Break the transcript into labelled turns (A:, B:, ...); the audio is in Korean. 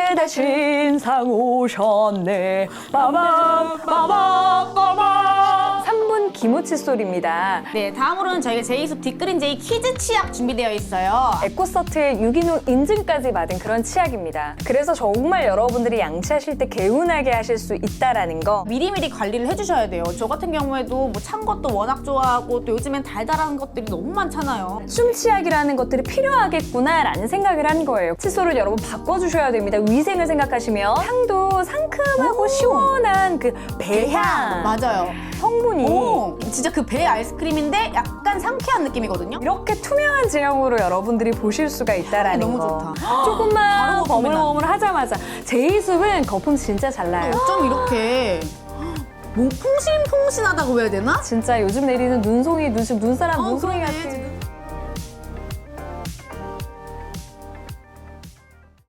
A: 배달 신상 오셨네. 빠밤 빠밤 빠밤. 3분 기모칫솔입니다.
B: 네, 다음으로는 저희가 제이숲 뒷그린 제이 키즈 치약 준비되어 있어요.
A: 에코서트의 유기농 인증까지 받은 그런 치약입니다. 그래서 정말 여러분들이 양치하실 때 개운하게 하실 수 있다라는 거.
B: 미리미리 관리를 해주셔야 돼요. 저 같은 경우에도 뭐 찬 것도 워낙 좋아하고 또 요즘엔 달달한 것들이 너무 많잖아요.
A: 숨치약이라는 것들이 필요하겠구나라는 생각을 한 거예요. 칫솔을 여러분 바꿔주셔야 됩니다. 위생을 생각하시면 향도 상큼하고 시원한 그 배향
B: 맞아요.
A: 성분이
B: 오, 진짜 그 배 아이스크림인데 약간 상쾌한 느낌이거든요.
A: 이렇게 투명한 제형으로 여러분들이 보실 수가 있다라는
B: 너무
A: 거.
B: 좋다.
A: 조금만
B: 바로 거품이
A: 버물버물 하자마자 제이숲은 거품 진짜 잘 나요.
B: 어쩜 이렇게 뭐 풍신풍신하다고 해야 되나?
A: 진짜 요즘 내리는 눈송이, 눈사람 눈송이
B: 그러네,
A: 같은
B: 지금.